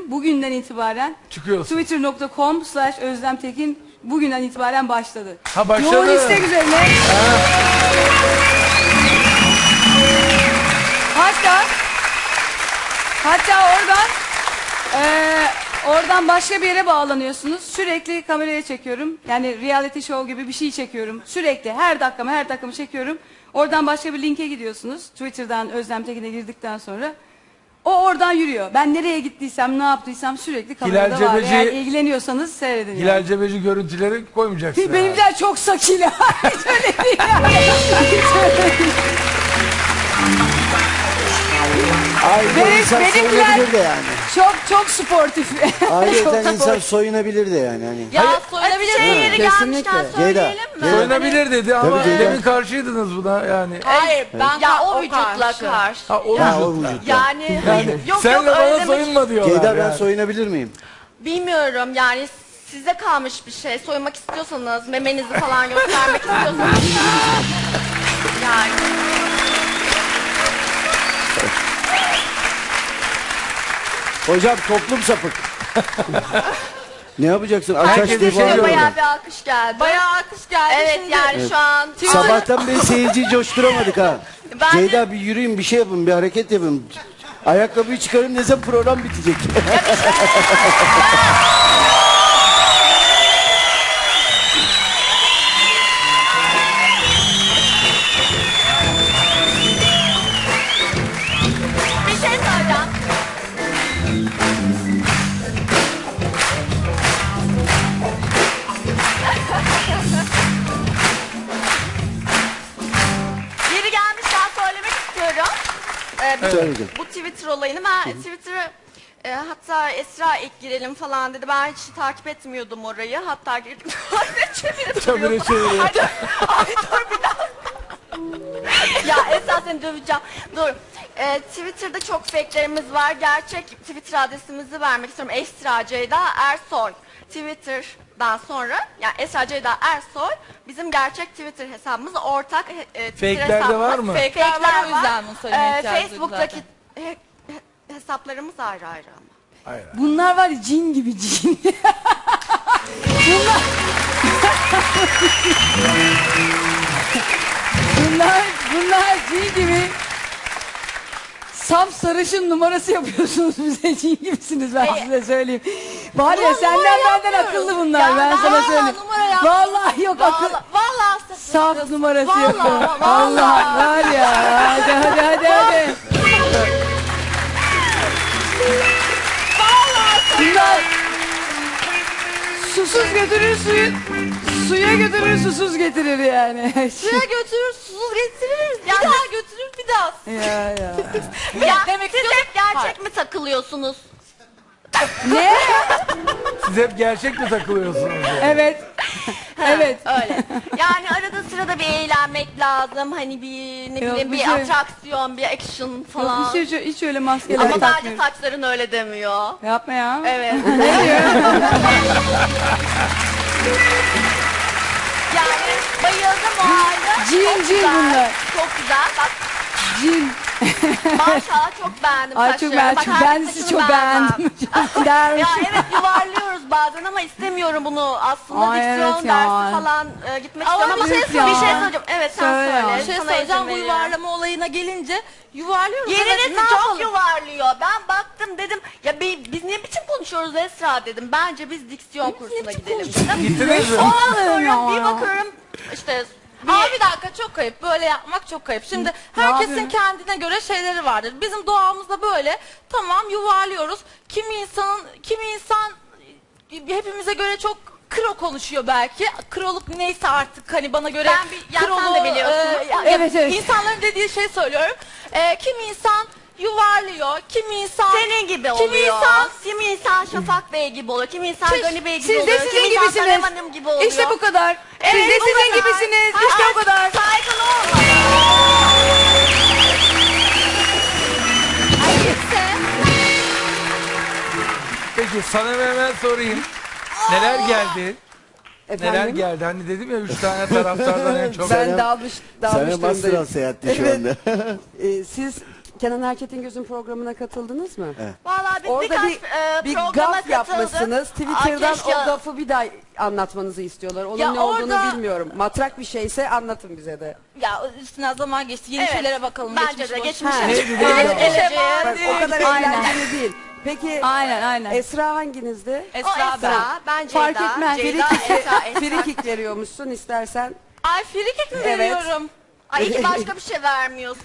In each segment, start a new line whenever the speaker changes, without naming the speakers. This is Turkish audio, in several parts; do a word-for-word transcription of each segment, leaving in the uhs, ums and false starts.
bugünden itibaren
Çıkıyorsun.
twitter nokta com slash Özlem Tekin bugünden itibaren başladı.
Ha, başladı.
Yoğun istek üzerine. Hatta hatta oradan eee oradan başka bir yere bağlanıyorsunuz. Sürekli kameraya çekiyorum. Yani reality show gibi bir şey çekiyorum. Sürekli her dakikamı her dakikamı çekiyorum. Oradan başka bir linke gidiyorsunuz. Twitter'dan Özlem Tekin'e girdikten sonra. O oradan yürüyor. Ben nereye gittiysem, ne yaptıysam sürekli kamerada
Hilal
var.
Cebeci-
Yani ilgileniyorsanız seyredin.
Hilal
yani.
Cebeci görüntüleri koymayacaksın.
Benimkiler çok sakile. Hiç öyle değil. yani. Hiç öyle değil.
Ayrıca
Benim-
insan
benimkiler-
soyunabilir de yani.
Çok çok sportif.
Ayrıca insan soyunabilir de yani. Hani.
Ya soyunabilir
Şey
miyim?
yeri
Kesinlikle.
gelmişken
Ceyda,
söyleyelim mi?
Ceyda.
Soyunabilir dedi ama
Tabii, Ceyda.
demin karşıydınız buna yani.
Hayır ben
Ya
o
o vücutla
karşı.
karşı.
Ha, o
Ha, o
vücutla.
vücut.
Yani, hayır, yok
Sen
yok
de
öyle
bana
demek.
soyunma diyorlar.
Ceyda ben
yani.
soyunabilir miyim?
Bilmiyorum yani size kalmış bir şey. Soymak istiyorsanız, memenizi falan göstermek istiyorsanız. Yani.
Hocam toplum sapık. Ne yapacaksın? Aç aç
Herkese
diye
şey
bağırıyor
diyorlar.
Bayağı
oradan.
bir alkış geldi.
Bayağı alkış geldi.
Evet
Şimdi
yani şu an.
Sabahtan beri seyirciyi coşturamadık ha.
Ben de-
Ceyda bir yürüyün, bir şey yapın, bir hareket yapın. Ayakkabıyı çıkarın, ne zaman program bitecek?
Bir şey söyleyeceğim. Yeri gelmişken söylemek istiyorum. Ee, bu,
Söyledim.
bu Twitter olayını ben Twitter'ı e, hatta Esra ilk girelim falan dedi. Ben hiç takip etmiyordum orayı. Hatta girdim. Çevirip
Çabuk
duruyordu.
çeviriyor.
Ay, dur, ay, dur bir daha. Ya Esra seni döveceğim. Dur. Ee, Twitter'da çok fake'lerimiz var. Gerçek Twitter adresimizi vermek istiyorum. Esra Ceyda Ersoy. Twitter'dan sonra yani Esra Ceyda Ersoy bizim gerçek Twitter hesabımız ortak e, Twitter
Fake'ler de
hesabımız.
var mı?
Fake'ler var,
Fake'ler
o yüzden bunu söylemeye
Ee,
ihtiyacı duydum
Facebook'taki
zaten.
he- he- hesaplarımız ayrı ayrı ama.
Hayır.
Bunlar var ya cin gibi cin. Bunlar... bunlar, bunlar cin gibi. Saf sarışın numarası yapıyorsunuz bize, cin gibisiniz ben size söyleyeyim. Var ya
Ulan
senden
numara
benden
yapmıyorum.
akıllı bunlar
Ya
ben
ben-
sana
Vallahi
söyleyeyim.
numara yapmıyorum.
Vallahi yok akıl.
Vallahi, vallahi
Saf numarası
Vallahi,
yapıyor.
vallahi.
Allah var ya hadi hadi hadi hadi. Bunlar susuz götürür suyu, suya götürür susuz getirir yani.
Suya götürür, susuz getirir. Bir daha götürür, bir daha.
ya ya.
Ya
demek
siz
istiyorum-
hep gerçek mi takılıyorsunuz?
Ne?
Siz hep gerçek mi takılıyorsunuz? yani?
Evet. Evet.
Öyle. Yani arada sırada bir eğlenmek lazım. Hani bir ne
Yok,
bileyim
bir
bir
şey-
atraksiyon, bir action
Yok,
falan.
hiç, hiç, hiç öyle maskeler
Ama bence
takmıyorum.
saçların öyle demiyor.
Yapma ya.
Evet.
Ne diyor?
Yani bayıldım o halde.
Cin,
Çok
cin
güzel,
bunlar.
Çok güzel. Bak
Cin.
maşallah çok beğendim
Ay çok
saçlarını.
ben,
Bak,
çok,
herkes
ben sizi
saçını
çok
beğenmem.
beğendim. Dermiş.
Ya evet yuvarlıyoruz bazen ama istemiyorum bunu. Aslında
Ay,
diksiyon
evet ya.
dersi falan e, gitmek
Ama
istiyorum ama
bir
bir
şey
şey,
söyleyeceğim.
söyleyeceğim. Evet sen
Söyle
söyle.
ya.
Bir şey
Sana
söyleyeceğim,
izin
bu
veriyorum.
yuvarlama olayına gelince yuvarlıyoruz. Evet,
Yerinizi
ne
çok
yapalım?
yuvarlıyor. Ben baktım dedim ya bi- biz ne biçim konuşuyoruz Esra dedim. Bence biz diksiyon kursuna gidelim dedim.
Gittiniz mi?
Ondan
ya.
sonra bir bakıyorum işte
Ama bir dakika çok kayıp. Böyle yapmak çok kayıp. Şimdi herkesin
yapıyorum?
kendine göre şeyleri vardır. Bizim doğamızda böyle tamam yuvarlıyoruz. Kimi insanın kimi insan hepimize göre çok kro konuşuyor belki. Kroluk neyse artık hani bana göre
Ben bir- ya sen de biliyorsun.
ya-
Evet, evet.
İnsanların dediği şey söylüyorum. E, kimi insan yuvarlıyor. Kimi insan
senin gibi
kimi
oluyor.
insan
Kimi insan Şafak Bey gibi oluyor. Kimi insan
Siz-
Gani Bey gibi
siz de
oluyor.
sizin
Kimi insan
gibisiniz.
Sanem Hanım gibi oluyor.
İşte bu kadar. Siz
Evet,
de
bu
sizin
kadar.
gibisiniz.
Hayır,
İşte o kadar.
Saygın olmadan.
Peki sana hemen sorayım. Neler geldi? Neler
Efendim?
geldi? Hani dedim ya üç tane taraftardan en çok.
Ben dalmış, dalmış
Sana master al
durumdayım.
seyahatte şu
Evet.
anda.
Ee, siz Kenan Erçetingöz'ün programına katıldınız mı?
Evet.
Vallahi biz
Orada
birkaç
bir,
e,
bir
programa
gaf
katıldık.
yapmışsınız. Twitter'dan
Aa, keşke-
o gafı bir daha anlatmanızı istiyorlar. Onun
Ya
ne olduğunu
orada-
bilmiyorum. Matrak bir şeyse anlatın bize de.
Ya üstüne zaman geçti. Yeni
Evet.
şeylere bakalım.
Bence de
boş-
geçmişe.
Ha.
Neydi, neydi?
Evet, geleceğe.
Bak, o kadar
Aynen.
eğlenceli değil. Peki
Aynen aynen.
Esra hanginizde?
O
Esra ben.
Esra, ben Ceyda.
Fark etmez.
Ceyda,
Frikik,
Esra, Esra.
frikik veriyormuşsun istersen.
Ay frikik mi
Evet.
veriyorum?
Ay iki başka bir şey vermiyorsun.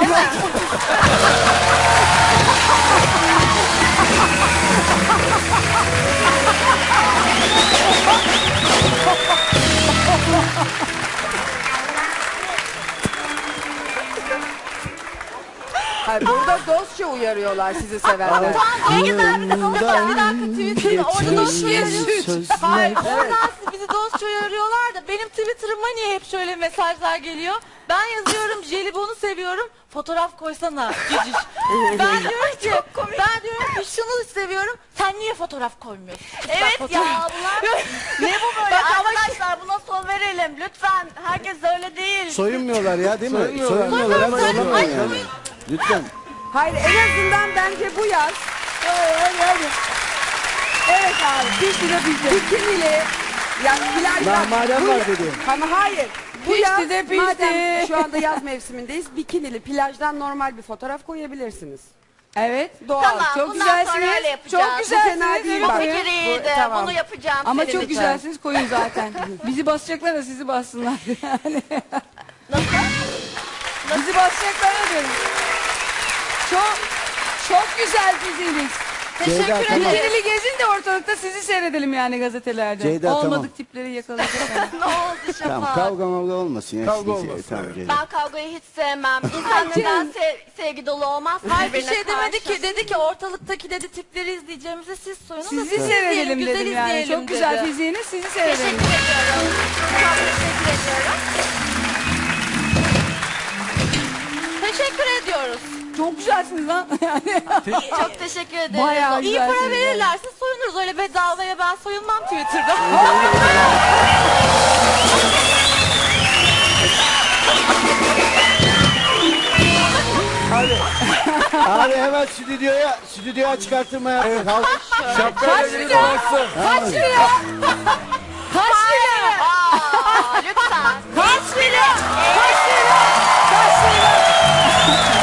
Hayır, burada dostça uyarıyorlar sizi sevenler.
Ne güzel bir de sonuçta bir dakika Twitter'da orada dostça uyarıyor.
Sözler.
Hayır oradan siz bizi dostça uyarıyorlar da benim Twitter'ıma niye hep şöyle mesajlar geliyor? Ben yazıyorum jelibonu seviyorum fotoğraf koysana ciciş. Ben diyorum ki ben diyorum ki şunu seviyorum sen niye fotoğraf koymuyorsun?
Evet
Bak,
ya
fotoğraf-
bunlar ne bu böyle
Bak ama-
arkadaşlar buna son verelim lütfen herkes öyle değil.
Soyunmuyorlar ya değil mi?
Soyunmuyorlar.
Soyunmuyorlar ama
Soyunmuyorlar.
yollamayın
Ay,
yani. Lütfen.
Hayır, en azından bence bu yaz. Hadi, hadi, hadi. Evet abi. Bir lira bizde. Bikinili. Yani plajda.
Lahmacun
Bu-
var dedi.
Ama hayır. Bu
Pişti
yaz
de pişti.
madem şu anda yaz mevsimindeyiz. Bikinili plajdan normal bir fotoğraf koyabilirsiniz.
Evet.
Doğal.
Çok
Tamam bundan sonra
güzelsiniz.
öyle yapacağız.
Çok güzelsiniz.
Bu fena değil
Evet,
Bu
bak.
koyun.
fikir iyiydi.
Bu- tamam.
Bunu yapacağım
Ama
senin
çok
için.
güzelsiniz koyun zaten. Bizi basacaklar da sizi bassınlar. Yani.
Nasıl?
Bizi basacaklar da diyorum. Çok çok güzel fiziğiniz.
Ceyda,
Teşekkür
tamam.
ederim.
Bikinili gezin de ortalıkta sizi seyredelim yani gazetelerde.
Ceyda,
Olmadık
tamam.
tipleri yakalayacak. yani.
Ne oldu Şafak?
Tamam kavga mavga olmasın ya.
Kavga
Siz-
olmasın,
Tamam,
evet.
Ceyda.
Ben kavgayı hiç sevmem. İnsan neden se- sevgi dolu olmaz?
Hayır bir
birbirine
şey demedi
karşı?
ki dedi ki ortalıktaki dedi tipleri izleyeceğimize siz soyunun da
Sizi
siz
seyredelim
güzel
dedim yani.
izleyelim
Çok güzel
dedi.
fiziğiniz sizi
Teşekkür
seyredelim.
ediyorum. Çok teşekkür ediyorum.
Teşekkür ediyoruz.
Çok güzelsiniz lan. Yani.
Çok teşekkür ederim.
Bayağı
İyi
güzelsiniz.
para verirlerse soyunuruz. Öyle bedavaya ben soyunmam Twitter'da.
Abi hemen stüdyoya stüdyoya çıkartırma yaptık. Halk.
Şapkayla biri dolaşsın.
Kaç lira? Kaç lira?
Aa, lütfen.
Kaç lira? Kaç lira? Kaç lira?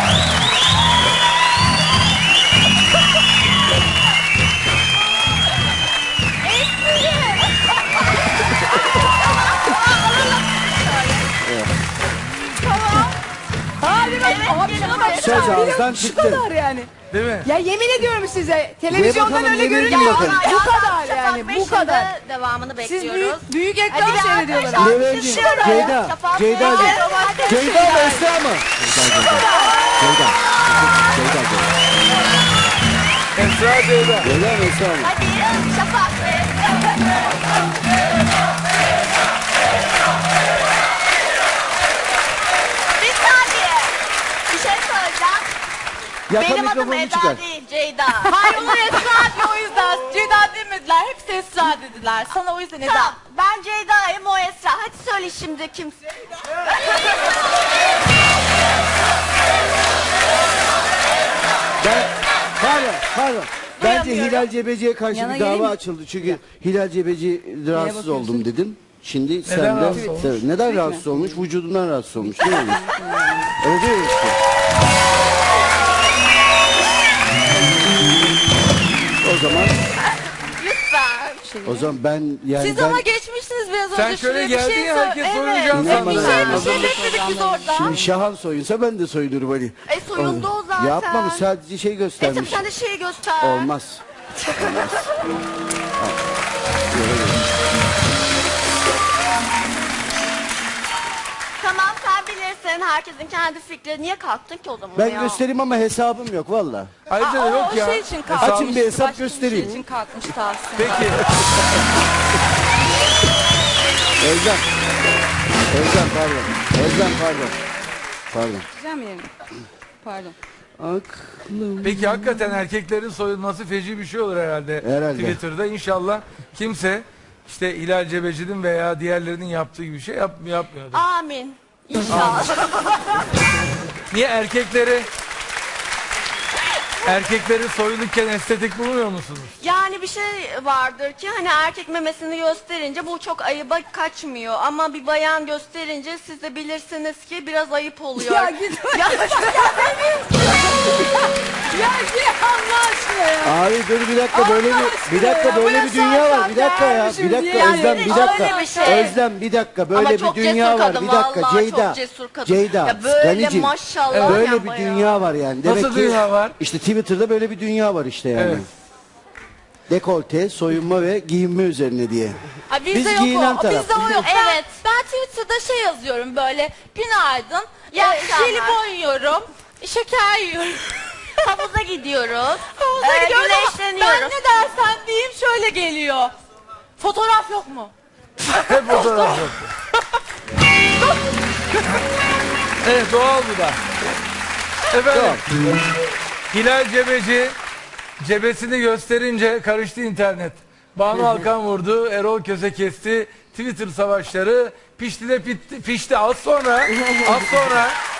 Hadi bak. Abi şuna bak.
Söz
Bir de
ağızdan
Şu
çıktı.
kadar yani.
Değil mi?
Ya yemin ediyorum size. Televizyondan
bakalım,
öyle
yemin
görünüyor.
edin bakalım.
Bu kadar
Şafak
yani.
Bey
Bu kadar.
şimdi devamını
Siz
bekliyoruz.
büyük, büyük
Hadi
ekran
bir
seyrediyorlar.
arkadaşlar,
abi.
Levent'ciğim,
bir şey var ya.
Ceyda,
Şafak
Ceyda,
Bey,
Ceyda.
romantik
Ceyda mı
şeyler.
Esra mı? Ceyda, Ceyda. Ceyda, Ceyda.
Esra Ceyda.
Ceyda mı Esra mı?
Hadi Şafak Bey. Bir saniye. Bir şey söyleyeceğim.
Yaka
Benim adım
mikrofonu çıkar.
Eda değil, Ceyda.
Hayır onu Esra diyor o yüzden. Ceyda demediler. Hepsi Esra dediler. Sana o yüzden Eda.
Tamam, ben Ceyda'yım, o Esra. Hadi söyle şimdi kimsin?
Ben, pardon, pardon. Bence
Duyamıyorum.
Hilal Cebeci'ye karşı
Yana
bir
geleyim
dava
mi?
açıldı. Çünkü Hilal Cebeci rahatsız
bakıyorsun?
oldum dedin. Şimdi sen de
rahatsız olmuş?
Evet, neden rahatsız olmuş? Vücudundan rahatsız olmuş değil mi? Öyle değil mi işte? O zaman
Lütfen.
o zaman ben yani
Siz
ben
ama geçmişsiniz biraz önce.
Sen şöyle
Şuraya bir
geldin
şey
ya,
sor-
herkes
Evet.
soyunacağını
Ne
sandı.
bana
Bir şey,
ya?
bir şey bekledik biz orada.
şimdi Şahan soyunsa ben de soyunurum hani.
E soyundu o zaten.
Yapmamış sadece şey
E tabii
göstermiş.
sen de şeyi göster.
Olmaz. Olmaz.
Tamam sen bilirsin. Herkesin kendi fikri. Niye kalktın ki o zaman
Ben
ya?
göstereyim ama hesabım yok valla.
Ayrıca da
Aa,
yok
o
ya.
şey için
Hesabı-
kalkmış.
Açın bir hesap
Başka bir
göstereyim.
şey için kalkmış Tahsin.
Peki.
Özlem. Özlem pardon. Özlem pardon. Pardon.
Güzel yerim? Pardon.
Aklım.
Peki hakikaten erkeklerin soyulması feci bir şey olur herhalde.
Herhalde.
Twitter'da inşallah kimse işte Hilal Cebeci'nin veya diğerlerinin yaptığı gibi bir şey yap, yapmıyordur.
Amin. İnşallah.
Niye erkekleri Erkekleri soyunurken estetik bulmuyor musunuz?
Yani bir şey vardır ki hani erkek memesini gösterince bu çok ayıba kaçmıyor. Ama bir bayan gösterince siz de bilirsiniz ki biraz ayıp oluyor.
Ya git.
Ya,
Ya git Allah aşkına ya.
Abi dur bir dakika böyle bir bir dakika
ya,
böyle
bu
bir dünya var. Bir dakika ya.
yaşarken
Bir dakika
yani
Özlem bir
öyle
dakika.
bir şey.
Özlem bir dakika böyle
Ama
bir
çok
dünya
cesur
var.
kadın,
Bir dakika
vallahi
Ceyda.
çok cesur kadın.
Ceyda.
Ya böyle
Ganicim,
maşallah
Böyle
ya
bir
bayağı.
dünya var yani. Demek
Nasıl
ki
dünya var?
İşte Twitter'da böyle bir dünya var işte yani.
Evet.
Dekolte, soyunma ve giyinme üzerine diye.
Ay, bizde
Biz
yok
giyinen
o.
taraf.
Bizde o yok. Ben,
Evet.
ben Twitter'da şey yazıyorum böyle. Günaydın.
İyi
E,
akşamlar.
jelibon yiyorum. Şeker yiyorum.
Havuza gidiyoruz.
Havuza
Ee,
gidiyoruz ama
güneşleniyoruz.
ben ne dersen diyeyim şöyle geliyor. Fotoğraf yok mu?
Hep fotoğraf yok. Evet doğal bu da. Efendim. Hilal Cebeci cebesini gösterince karıştı internet. Banu Alkan vurdu, Erol Köse kesti, Twitter savaşları pişti de pitti, pişti az sonra, az sonra